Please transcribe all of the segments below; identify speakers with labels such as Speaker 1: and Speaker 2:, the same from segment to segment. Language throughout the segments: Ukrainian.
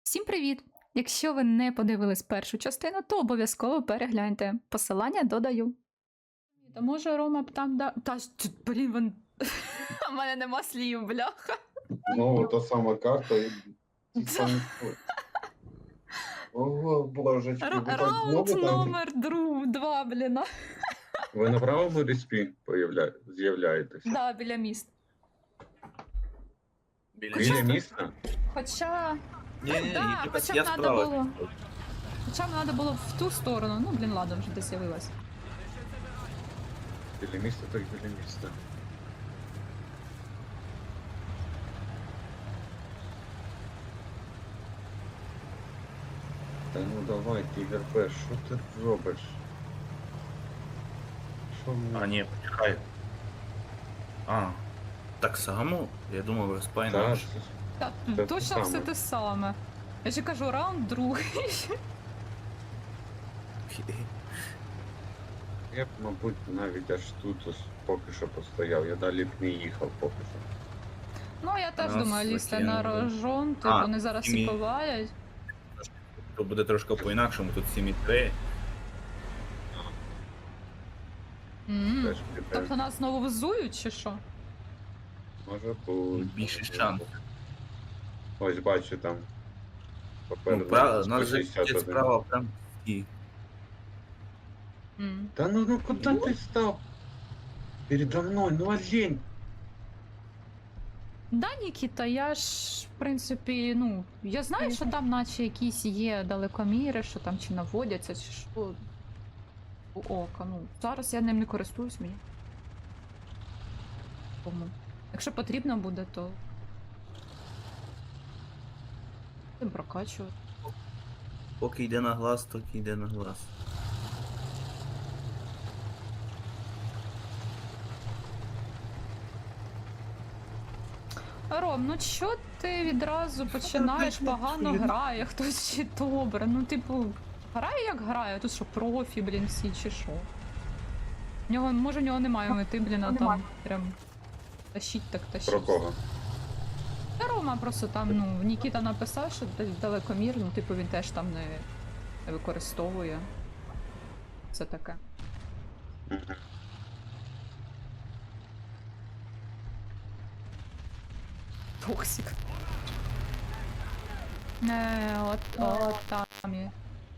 Speaker 1: Всім привіт! Якщо ви не подивились першу частину, то обов'язково перегляньте. Посилання додаю. Та може Рома б там да. Та ж, блін, він. У мене нема слів, бляха.
Speaker 2: Ну, та сама карта і типа не сход. Ого, божечки, ви так
Speaker 1: Раунд
Speaker 2: знову там?
Speaker 1: номер 2, блін.
Speaker 2: Ви на правому респі з'являєтесь?
Speaker 1: Да, біля міст.
Speaker 2: Біля міста?
Speaker 1: Хоча.
Speaker 3: Ні,
Speaker 1: Да, хоча б
Speaker 3: я
Speaker 1: надо
Speaker 3: справа.
Speaker 1: було. Хоча б треба було в ту сторону. Ну, блін, ладно, вже десь з'явилась.
Speaker 2: Біля міста, так біля міста. Та ну давай, Тігр П, що ти робиш? Що
Speaker 3: А,
Speaker 2: мені?
Speaker 3: ні, почекай. А, так само? Я думав, респа
Speaker 2: Та,
Speaker 3: інакше.
Speaker 1: Так,
Speaker 2: Це
Speaker 1: точно
Speaker 2: те
Speaker 1: все
Speaker 2: саме.
Speaker 1: те саме. Я ще кажу, раунд другий.
Speaker 2: Я б, мабуть, навіть аж тут ось поки що постояв, я далі б не їхав поки що.
Speaker 1: Ну, я теж
Speaker 3: Нас
Speaker 1: думаю, лізти на
Speaker 3: закинули.
Speaker 1: рожон, типу,
Speaker 3: А,
Speaker 1: вони зараз
Speaker 3: і
Speaker 1: і
Speaker 3: мі-
Speaker 1: повалять.
Speaker 3: То буде трошки по-інакшому, тут 7,3.
Speaker 2: Теж
Speaker 1: Тобто нас знову визують, чи що?
Speaker 2: може бути.
Speaker 3: Більше шанс.
Speaker 2: Ось бачу там.
Speaker 3: Ну,
Speaker 2: Попереду
Speaker 3: нас же
Speaker 2: 161.
Speaker 3: справа прям і.
Speaker 1: М.
Speaker 2: Да ну куда ты стал? Передо мной, ну олень.
Speaker 1: Да, Нікіта, я ж, в принципі, ну, я знаю, що там наче якісь є далекоміри, що там чи наводяться, чи що. У ока, ну, зараз я ним не користуюсь мені. Тому. Якщо потрібно буде, то. Будемо прокачувати.
Speaker 3: Поки йде на глаз, то йде на глаз.
Speaker 1: Ром, ну чо ти відразу починаєш погано грає, хтось чи добре. Ну, типу, грає як грає, тут що профі, блін, всі чи що. Може в нього немає мети, блін, а там прям тащить так тащить.
Speaker 2: Про кого?
Speaker 1: Та Рома просто там, ну, Нікіта написав, що далекомір, ну, типу, він теж там не використовує. Це таке. Токсик. Не, от там є.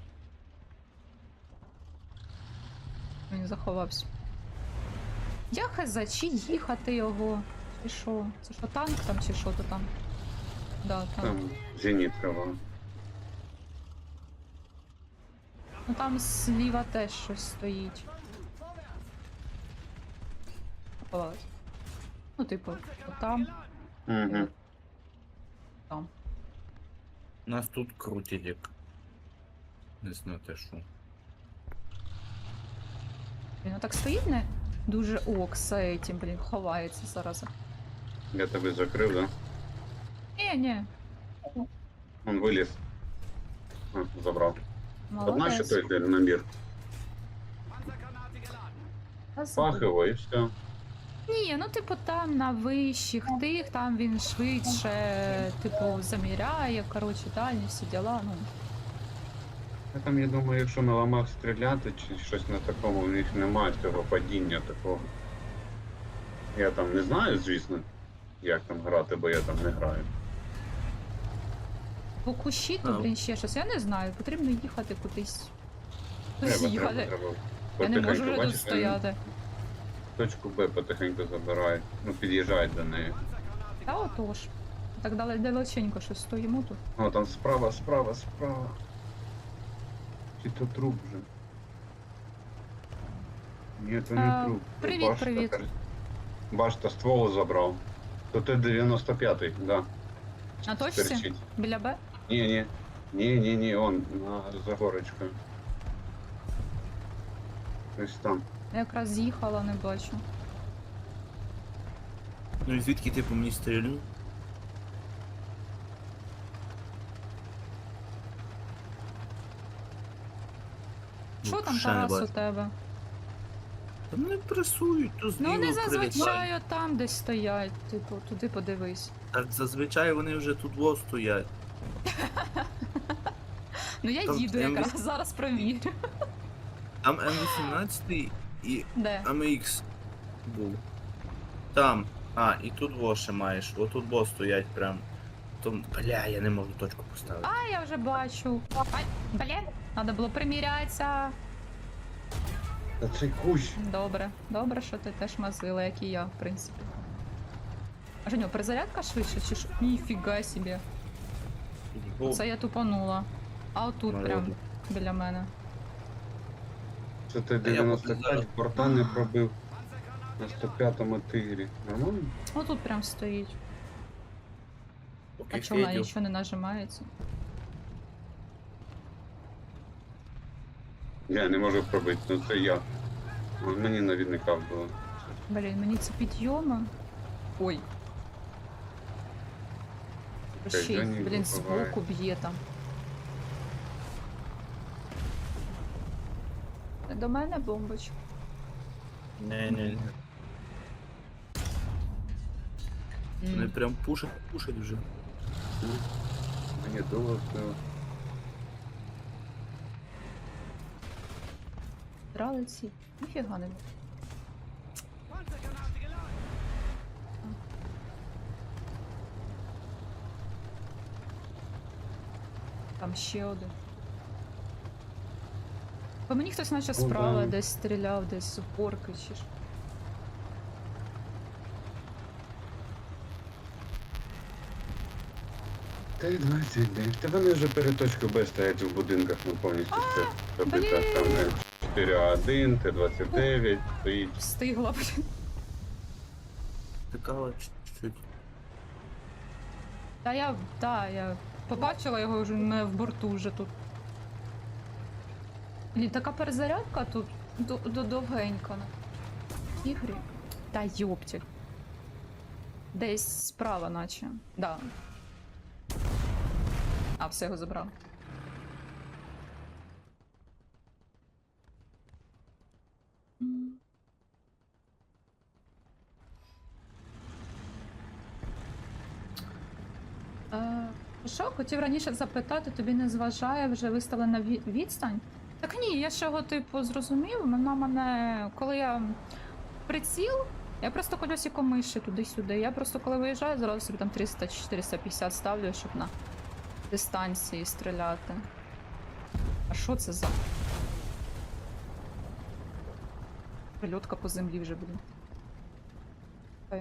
Speaker 1: Він заховався. Я хз, чи їхати його? Чи що? Це що, танк там, чи що то там? Да, танк.
Speaker 2: Там зенитка вон.
Speaker 1: Ну там зліва теж щось стоїть. Заховалась. Ну, типу, там.
Speaker 2: Угу.
Speaker 1: Там.
Speaker 3: Нас тут крутять як. Не знаю те що.
Speaker 1: Він отак стоїть, не? Дуже окса этим, блін, ховається зараз.
Speaker 2: Я тебе закрив, да?
Speaker 1: Ні,
Speaker 2: Он виліз. А, забрав. Одна ще
Speaker 1: молодець.
Speaker 2: той йде набір.
Speaker 1: Та забудь.
Speaker 2: Пах його і все.
Speaker 1: Ні, ну типу там на вищих тих, там він швидше, типу, заміряє, коротше, дальні всі діла, ну.
Speaker 2: А там, я думаю, якщо на ламах стріляти чи щось на такому, у них немає цього падіння такого. Я там не знаю, звісно, як там грати, бо я там не граю.
Speaker 1: По кущі, то, блін, ще щось, я не знаю, потрібно їхати кудись. Кудись їхати. Я не можу вже тут
Speaker 2: Бачиш,
Speaker 1: стояти.
Speaker 2: Точку Б потихеньку забирають, ну під'їжджають до неї.
Speaker 1: Та отож. Так далеченько щось стоїмо тут.
Speaker 2: О, там справа, справа, справа. Чи то труп вже? Ні, то не труп.
Speaker 1: привіт, привіт.
Speaker 2: Башта ствол забрав. То ти 95-й, да.
Speaker 1: На точці?
Speaker 2: Стерчить.
Speaker 1: Біля Б?
Speaker 2: Ні, он, за горочкою. Ось там.
Speaker 1: Я якраз з'їхала, не бачу.
Speaker 3: Ну і звідки ти по мені стрілю?
Speaker 1: Що там,
Speaker 3: ще не
Speaker 1: Тарас, у
Speaker 3: бачу.
Speaker 1: тебе?
Speaker 3: Та мене пресують, то
Speaker 1: Ну
Speaker 3: зліва
Speaker 1: вони
Speaker 3: прилітають.
Speaker 1: зазвичай там десь стоять, типу, туди подивись.
Speaker 3: Так зазвичай вони вже тут во стоять.
Speaker 1: Ну я
Speaker 3: Там
Speaker 1: їду
Speaker 3: М8.
Speaker 1: якраз, зараз провірю.
Speaker 3: Там М18 і
Speaker 1: Де?
Speaker 3: АМХ був. Там. А, і тут воше маєш. Отут бо стоять прям. Там, бля, я не можу точку поставити.
Speaker 1: А, я вже бачу. Ай, блін, треба було примірятися.
Speaker 2: Та цей кущ.
Speaker 1: Добре, добре, що ти теж мазила, як і я, в принципі. А Женю, перезарядка швидше чи що? Ніфіга собі.
Speaker 3: Бо-
Speaker 1: Це я тупанула. А отут
Speaker 3: Ну,
Speaker 1: прям
Speaker 3: ладно.
Speaker 1: біля мене.
Speaker 2: Це ти
Speaker 3: А я поки
Speaker 2: 95
Speaker 3: зараз-
Speaker 2: порта не пробив на 105-му тигрі. Нормально?
Speaker 1: Отут прям стоїть.
Speaker 3: Поки
Speaker 1: А чого вона
Speaker 3: Федю.
Speaker 1: нічого не нажимається?
Speaker 2: Я не можу пробити, ну це я. Мені навідника було.
Speaker 1: Блін, мені це підйома. Ой. Ще й,
Speaker 2: Женя
Speaker 1: блін,
Speaker 2: буває.
Speaker 1: збоку б'є там. До мене бомбочка.
Speaker 3: Не. Вони прям пушать вже.
Speaker 2: Мені довго все.
Speaker 1: Брали ці. Ніфіга не було. Там ще один. По мені хтось наче
Speaker 2: Ну,
Speaker 1: справа
Speaker 2: да.
Speaker 1: десь стріляв, десь з упорки чи ж.
Speaker 2: Т-29. Та вони вже перед точкою Б стоять в будинках, ну повністю все. Тобто
Speaker 1: блін.
Speaker 2: там М4А1, Т-29 стоїть.
Speaker 1: Встигла, блін.
Speaker 3: Тикала чуть-чуть.
Speaker 1: Я побачила його вже не в борту вже тут. Блін, така перезарядка тут довгенька. Ігрі. Та йоптіль. Десь справа наче. Да. А, все його забрав. Що, хотів раніше запитати, тобі не зважає вже виставлена відстань? Так ні, я ж його типу зрозумів. Вона мене, коли я приціл, я просто колесико миші туди-сюди. Я просто коли виїжджаю, зразу собі там 300-450 ставлю, щоб на дистанції стріляти. А що це за? Прильотка по землі вже, блін. Ой.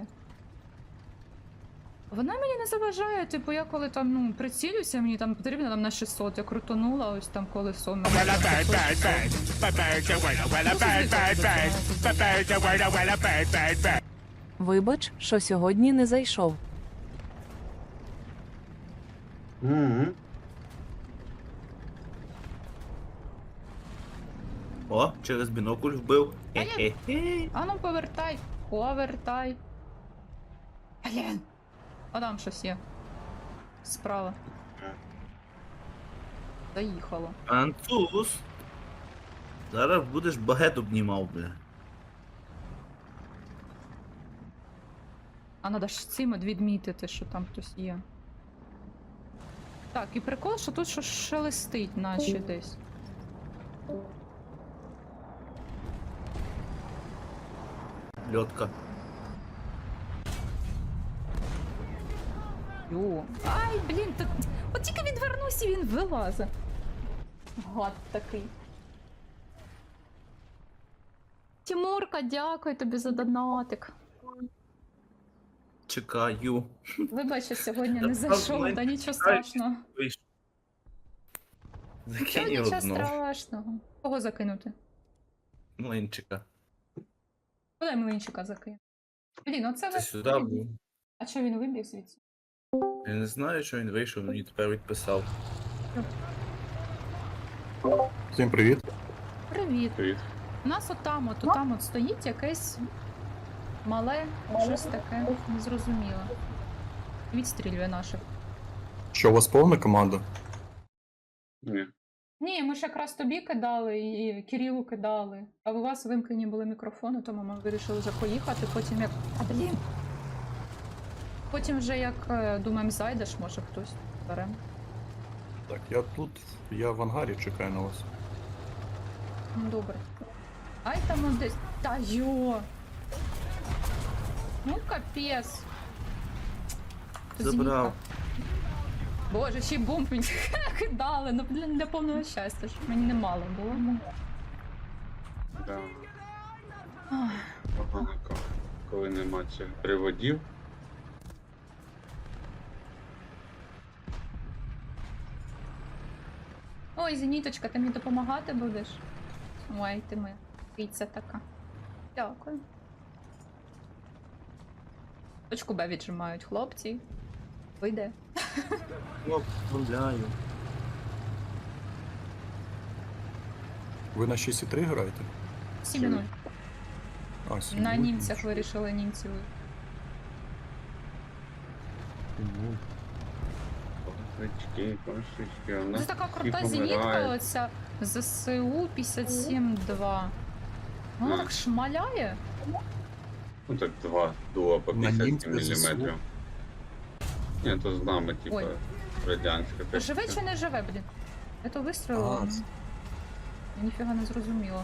Speaker 1: Вона мені не заважає, типу, я коли там, ну, прицілюся, мені там потрібно там на 600, я крутонула, ось там колесо. мені
Speaker 4: Well, a
Speaker 1: там
Speaker 4: bad,
Speaker 1: 500.
Speaker 4: bad, bad. Well, a bad, bad, bad. Well, a bad, bad, bad.
Speaker 5: Вибач, що сьогодні не зайшов.
Speaker 2: Угу.
Speaker 3: О, через бінокль вбив.
Speaker 1: А я-
Speaker 3: Хе-хе-хе.
Speaker 1: А ну повертай. Блін. А там щось є. Справа. Доїхало.
Speaker 3: Француз. Зараз будеш багет обнімав, бля.
Speaker 1: А надо ж цим от відмітити, що там хтось є. Так, і прикол, що тут щось шелестить, наче десь.
Speaker 3: Льотка.
Speaker 1: Йо. Ай, блін, так. От тільки відвернусь і він вилазить. Гад такий. Тимурка, дякую тобі за донатик.
Speaker 3: Чекаю.
Speaker 1: Вибач, що сьогодні
Speaker 3: Та
Speaker 1: не зайшов,
Speaker 3: правда,
Speaker 1: та нічого
Speaker 3: чекаю.
Speaker 1: страшного.
Speaker 3: Вийшов.
Speaker 1: Нічого,
Speaker 3: Закинь
Speaker 1: нічого
Speaker 3: одну.
Speaker 1: страшного. Кого закинути?
Speaker 3: Млинчика.
Speaker 1: Куди млинчика закинути? Блін, оце
Speaker 3: Це
Speaker 1: ви...
Speaker 3: сюди був.
Speaker 1: А чого він вибіг звідси?
Speaker 3: Я не знаю, що він вийшов, мені тепер відписав.
Speaker 6: Всім привіт.
Speaker 1: Привіт.
Speaker 2: Привіт.
Speaker 1: У нас отам от стоїть якесь мале, щось таке незрозуміле. Відстрілює наших.
Speaker 6: Що у вас повна команда?
Speaker 2: Ні.
Speaker 1: Ні, ми ж якраз тобі кидали і Кирилу кидали. А у вас вимкнені були мікрофони, тому ми вирішили вже поїхати. Потім як. А блін! Потім вже як думаємо, зайдеш, може хтось беремо.
Speaker 6: Так, я тут, я в ангарі чекаю на вас.
Speaker 1: Ну, добре. Ай там он десь. Та йо! Ну капець.
Speaker 3: Забрав.
Speaker 1: Зенітка. Боже, ще й бомб мені кидали, ну для повного щастя, щоб мені немало було.
Speaker 2: Да.
Speaker 1: Ах.
Speaker 2: Погано, коли нема цих приводів.
Speaker 1: Ой, Зеніточка, ти мені допомагати будеш? Ой, ти моя піця така. Дякую. Точку Б віджимають хлопці. Вийде.
Speaker 3: О, гуляю.
Speaker 6: Ви на 6,3 граєте?
Speaker 1: 7-0.
Speaker 6: А, 7,0.
Speaker 1: На німцях вирішили німців.
Speaker 2: Кошечки, кошечки, у
Speaker 1: Це
Speaker 2: нас
Speaker 1: така
Speaker 2: всі
Speaker 1: крута зенітка,
Speaker 2: помирають.
Speaker 1: оця ЗСУ 57-2. Вона
Speaker 2: А.
Speaker 1: так шмаляє.
Speaker 2: Ну так два дуа по
Speaker 6: На
Speaker 2: 57
Speaker 6: німця ЗСУ.
Speaker 2: мм. Ні, то з нами, типа,
Speaker 1: Ой.
Speaker 2: радянська.
Speaker 1: Живе
Speaker 2: техніка.
Speaker 1: чи не живе, блін? Я то вистрілила.
Speaker 6: А,
Speaker 1: ну, я ніфіга не зрозуміла.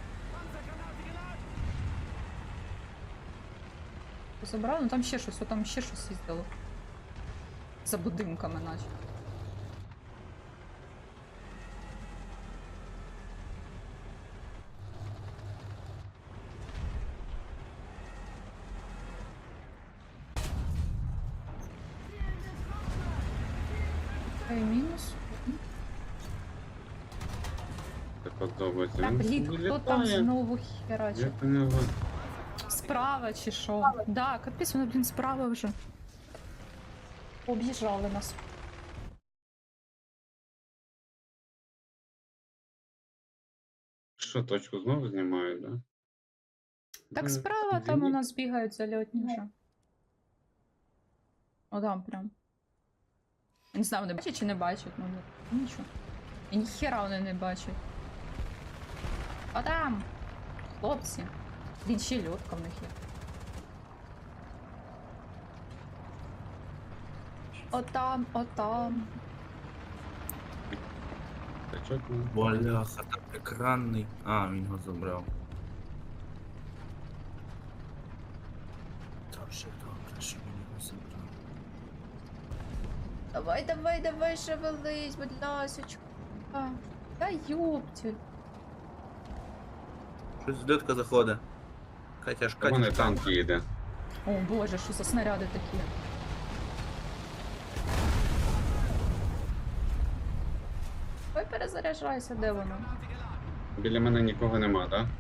Speaker 1: Забрали? Ну там ще щось, там ще щось їздило. За будинками, наче. Мінус.
Speaker 2: Це подобається.
Speaker 1: Та
Speaker 2: Він
Speaker 1: блін,
Speaker 2: собі
Speaker 1: хто там
Speaker 2: літає.
Speaker 1: знову херачить?
Speaker 2: Як у нього?
Speaker 1: Справа чи що? Да, капець, воно, блін, справа вже. Об'їжджали нас.
Speaker 2: Що, точку знову знімають, да?
Speaker 1: Так
Speaker 2: Ну,
Speaker 1: справа там у нас бігають зальотні вже. О, там прям. Я не знаю, вони бачать чи не бачать, ну нічого. І ніхера вони не бачать. А там! Хлопці. Блін, ще й льотка в них є. Отам, отам.
Speaker 2: Тачок, ну,
Speaker 3: Бляха, так екранний. А, він його забрав. Та вже добре, що він його забрав.
Speaker 1: Давай, давай, давай, шевелись, будь ласочка. Та ёптіль.
Speaker 3: Щось зльотка заходить. Катя ж
Speaker 2: У мене
Speaker 3: Катя.
Speaker 2: танк їде.
Speaker 1: О боже, що за снаряди такі. Ой, перезаряджайся, де воно?
Speaker 2: Біля мене нікого нема, так?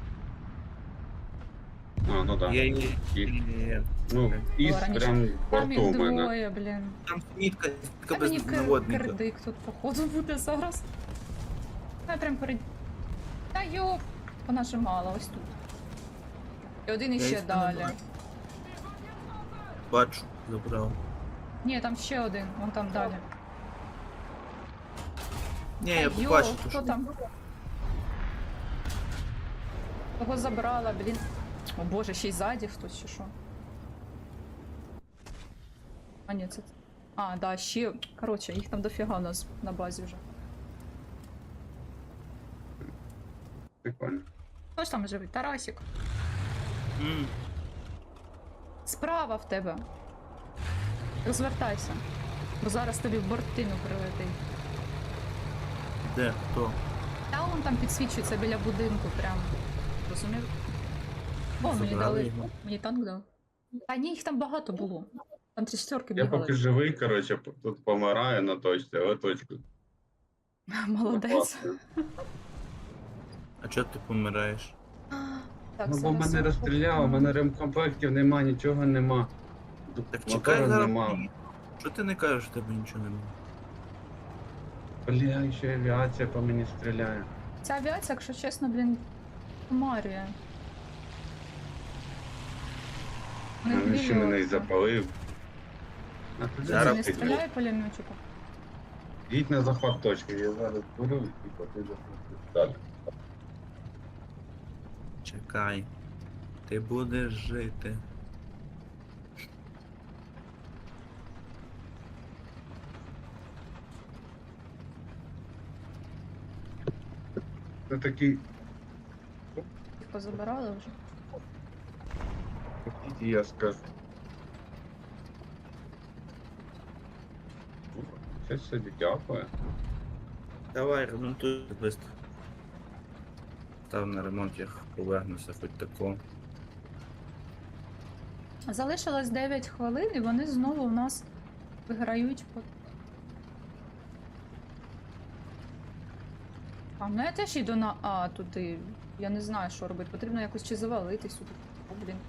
Speaker 2: А, ну так.
Speaker 3: Є,
Speaker 2: Да.
Speaker 3: є, є.
Speaker 2: Ну, із
Speaker 1: раніше.
Speaker 2: прям в
Speaker 1: Там
Speaker 2: борту
Speaker 1: їх
Speaker 2: у мене.
Speaker 1: двоє, блін.
Speaker 3: Там мітка
Speaker 1: Та
Speaker 3: без
Speaker 1: мені
Speaker 3: наводника.
Speaker 1: кирдик тут, походу, буде зараз. Я прям перед... Та йоп! Понажимала ось тут. І один
Speaker 3: Я
Speaker 1: іще
Speaker 3: їх не
Speaker 1: далі.
Speaker 3: бачу. Бачу, забрав.
Speaker 1: Ні, там ще один, вон там далі.
Speaker 3: Ні, я
Speaker 1: Та
Speaker 3: побачив, то
Speaker 1: хто
Speaker 3: що.
Speaker 1: там? Кого забрала, блін. О боже, ще й ззаді хтось чи що. А ні, це... А, да, ще... Коротше, їх там дофіга у нас на базі вже.
Speaker 2: Прикольно.
Speaker 1: Хто ж там живий? Тарасик.
Speaker 3: М,
Speaker 1: Справа в тебе. Розвертайся. Бо зараз тобі в бортину прилетить.
Speaker 3: Де? Хто?
Speaker 1: Та он там підсвічується біля будинку прям. Розумів? О, мені
Speaker 3: Забрали
Speaker 1: дали.
Speaker 3: його.
Speaker 1: Мені танк дав. А ні, їх там багато було. Там 3-4
Speaker 2: Я
Speaker 1: бігали.
Speaker 2: поки живий, коротше, тут помираю на точці, але точку.
Speaker 1: Молодець.
Speaker 2: Класно.
Speaker 3: А чого ти помираєш?
Speaker 1: Так,
Speaker 2: Ну бо
Speaker 1: зараз
Speaker 2: мене
Speaker 1: я
Speaker 2: розстріляло, в мене ремкомплектів нема, нічого нема.
Speaker 3: Так
Speaker 2: Мотора
Speaker 3: чекай зараз.
Speaker 2: нема.
Speaker 3: Що ти не кажеш, що тебе нічого немає?
Speaker 2: Бля, ще авіація по мені стріляє.
Speaker 1: Ця авіація, якщо чесно, блін, марія.
Speaker 2: Він ще мене і запалив. А ти
Speaker 3: Зараз
Speaker 1: Не
Speaker 2: піду.
Speaker 1: стріляє пулеметчиком.
Speaker 2: Їдь на захват точки, я зараз беру і потім далі.
Speaker 3: Чекай. Ти будеш жити.
Speaker 2: Це такий.
Speaker 1: Їх позабирали вже.
Speaker 2: Хотіть, я скажу. Щось собі дякую.
Speaker 3: Давай, ремонтуй швидко. Став на ремонт, я повернуся, хоч такого.
Speaker 1: Залишилось 9 хвилин, і вони знову у нас виграють по. А, ну я теж йду на А туди. Я не знаю, що робити. Потрібно якось чи завалити сюди. О, блін.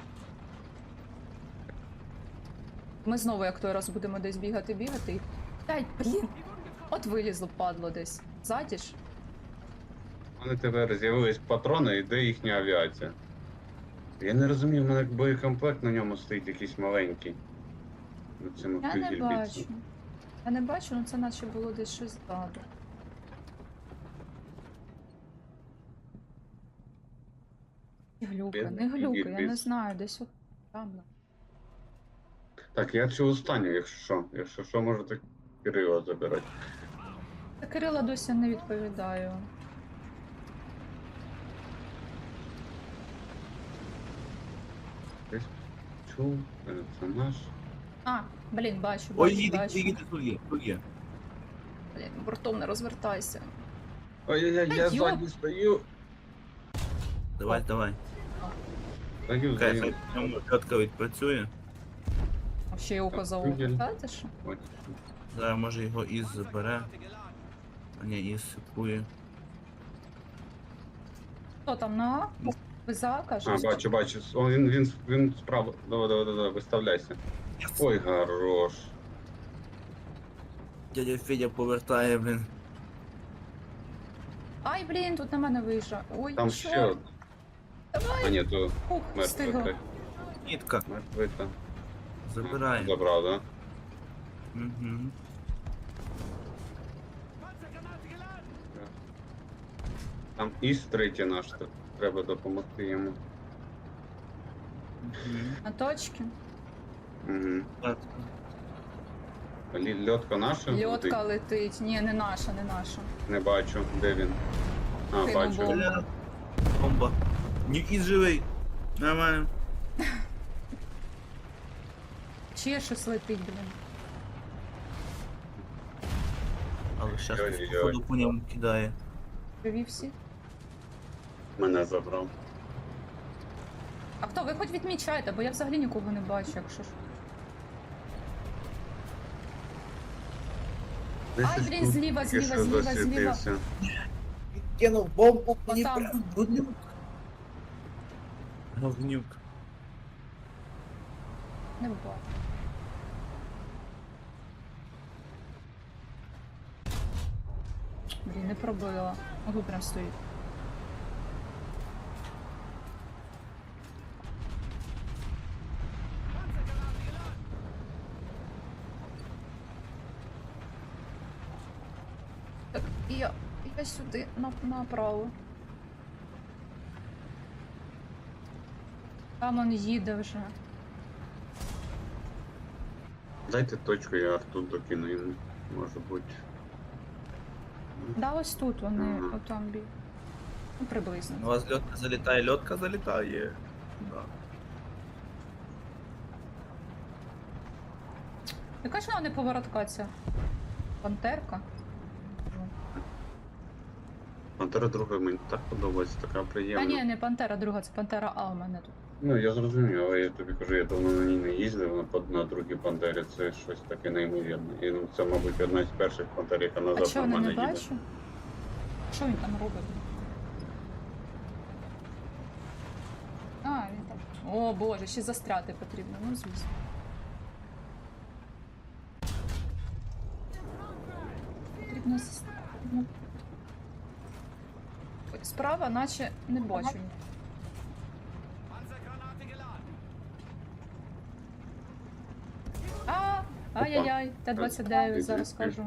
Speaker 1: Ми знову, як той раз, будемо десь бігати і. Дай, блін. От вилізло, падло десь. Ззаді ж.
Speaker 2: У мене тепер з'явились патрони і де їхня авіація. Я не розумію, в мене боєкомплект на ньому стоїть якийсь маленький. На цьому
Speaker 1: Я не
Speaker 2: півгільбіці.
Speaker 1: бачу. Я не бачу, ну це наче було десь щось ззаду. Не глюка, не глюка, я не
Speaker 2: Гільбіц.
Speaker 1: знаю, десь от там.
Speaker 2: Так, я цю останню, якщо що. Якщо що, можете Кирила забирати.
Speaker 1: Та Кирила досі не відповідаю.
Speaker 2: Десь чув, це наш.
Speaker 1: А, блін, бачу,
Speaker 3: Ой,
Speaker 1: бачу,
Speaker 3: їде,
Speaker 1: бачу.
Speaker 3: їде, тут є, тут є.
Speaker 1: Блін, бортом не розвертайся.
Speaker 2: Ой-ой-ой, я
Speaker 1: Та йоп.
Speaker 2: ззаді стою.
Speaker 3: Давай, давай.
Speaker 2: Стою,
Speaker 3: Хай
Speaker 2: стою.
Speaker 3: в ньому чітко відпрацює.
Speaker 1: А ще й око за око.
Speaker 2: Виділь.
Speaker 1: Та що?
Speaker 2: Ось.
Speaker 3: Зараз може його із забере. А ні, із сипує.
Speaker 1: Хто там на А? Виза,
Speaker 2: А,
Speaker 1: кажеш?
Speaker 2: бачу. О, він справа. Давай, виставляйся. Ой, хорош.
Speaker 3: Дядя Федя повертає, блін.
Speaker 1: Ай, блін, тут на мене виїжджа. Ой,
Speaker 2: Там
Speaker 1: чорт.
Speaker 2: ще. А ні, то
Speaker 1: Ух,
Speaker 2: мертвий.
Speaker 1: встигла.
Speaker 3: Нітка,
Speaker 2: Мертвий там.
Speaker 3: забирає.
Speaker 2: Забрав, да?
Speaker 3: Угу.
Speaker 2: Там іс третій наш, треба допомогти йому.
Speaker 1: На точки.
Speaker 2: Угу.
Speaker 3: Так.
Speaker 2: Льотка наша?
Speaker 1: Льотка летить. Ні, не наша, не наша.
Speaker 2: Не бачу, де він. А,
Speaker 1: Кинув
Speaker 2: бачу.
Speaker 1: бомбу.
Speaker 3: Бля. Бомба. Ні, із живий. Нормально.
Speaker 1: Ще щось летить, блін.
Speaker 3: Але щас
Speaker 2: Ой-ой-ой.
Speaker 3: походу по ньому кидає.
Speaker 1: Живі всі.
Speaker 2: Мене забрав.
Speaker 1: А хто? Ви хоч відмічайте, бо я взагалі нікого не бачу, якщо ж. Ай, блін, зліва,
Speaker 2: Тільки
Speaker 1: зліва,
Speaker 2: що
Speaker 1: зліва, зліва.
Speaker 2: засвітився.
Speaker 3: Кинув бомбу,
Speaker 1: мені Отам.
Speaker 3: прям говнюк. Говнюк.
Speaker 1: Не бачу. Блін, не пробила. Ого, прям стоїть. Так, я сюди, направо. Там он їде вже.
Speaker 2: Дайте точку, я арту докину йому. Може бути.
Speaker 1: Да, ось тут вони,
Speaker 2: Ага.
Speaker 1: отам бі. Ну, приблизно.
Speaker 3: У вас льотка залітає. Да.
Speaker 1: Яка ж вона не поворотка ця? Пантерка?
Speaker 2: Пантера друга мені так подобається, така
Speaker 1: Та
Speaker 2: приємна.
Speaker 1: ні, не пантера друга, це пантера А у мене тут.
Speaker 2: Ну, я зрозумів, але я тобі кажу, я давно на ній не їздив, на другій пантері це щось таке неймовірне. І ну, це, мабуть, одна з перших пантер, яка
Speaker 1: А
Speaker 2: назад
Speaker 1: чого не
Speaker 2: нормально їде.
Speaker 1: бачу? Що він там робить? А, він там. О боже, ще застряти потрібно, ну звісно. Потрібно застряти. Справа, наче не бачу. Ай-яй-яй, Т-29, зараз скажу.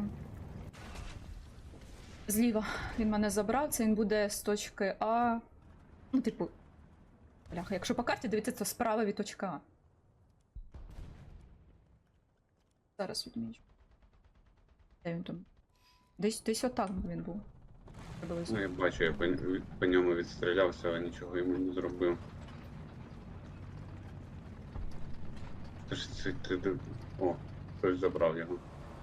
Speaker 1: Зліва він мене забрав, це він буде з точки А. Ну, типу. Бляха, якщо по карті дивитися, то справа від точки А. Зараз відмічу. Де він там? Десь отак він був. Приблизно.
Speaker 2: Ну, я бачу, я по ньому відстрілявся, але нічого йому не зробив. Ти ж ти. О, хтось забрав його.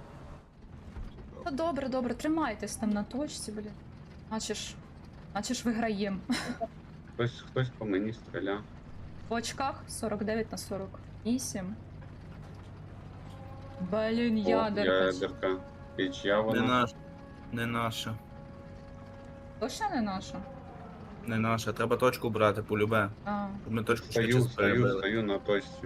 Speaker 1: Ну добре, добре, тримайтесь там на точці, блін. Наче ж виграєм.
Speaker 2: Хтось по мені стріляв.
Speaker 1: В очках 49 на 48. Блін,
Speaker 2: О,
Speaker 1: ядерка.
Speaker 2: ядерка. І чия
Speaker 3: Не
Speaker 2: вона?
Speaker 3: наш. Не наша.
Speaker 1: Точно не наша?
Speaker 3: Не наша. Треба точку брати, полюбе.
Speaker 1: А,
Speaker 3: Щоб ми точку
Speaker 2: Стою,
Speaker 3: швидше перебили.
Speaker 2: стою на точці.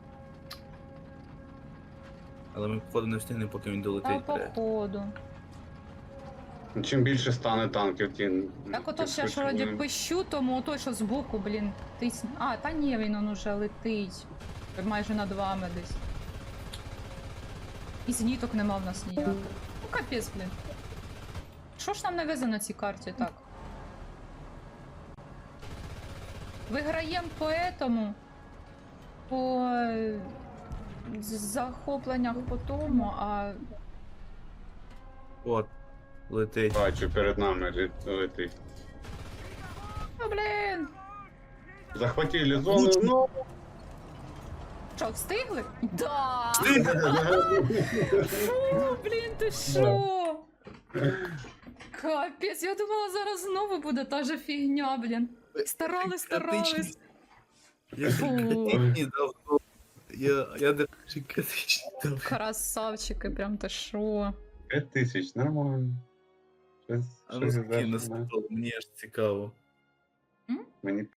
Speaker 3: Але ми, походу, не встигнемо, поки він
Speaker 1: та
Speaker 3: долетить. блядь.
Speaker 1: походу.
Speaker 2: Ну, чим більше стане танків, тим.
Speaker 1: Так ото
Speaker 2: тим
Speaker 1: ж я ж
Speaker 2: швидше
Speaker 1: вроді
Speaker 2: вони-
Speaker 1: пищу, тому ото що збоку, блін, тисне. А, та ні, він он уже летить. Майже над вами десь. І зеніток нема в нас ніяких. Ну капець, блін. Що ж нам не везе на цій карті так? Виграєм по этому. По захопленнях по тому, а
Speaker 3: От, летить.
Speaker 2: Бачу, перед нами летить.
Speaker 1: ну, блін.
Speaker 2: Захватили зону, ну.
Speaker 1: Що, встигли? Да! Фу, блін, ти що? Капець, я думала, зараз знову буде та же фігня, блін. Старались.
Speaker 3: Я
Speaker 1: Фу.
Speaker 3: критичні давно. Я даже критичні давно.
Speaker 1: Красавчики, прям ти що?
Speaker 2: 5000, нормально.
Speaker 3: А ну скинь на стол, мені аж цікаво.
Speaker 2: Мені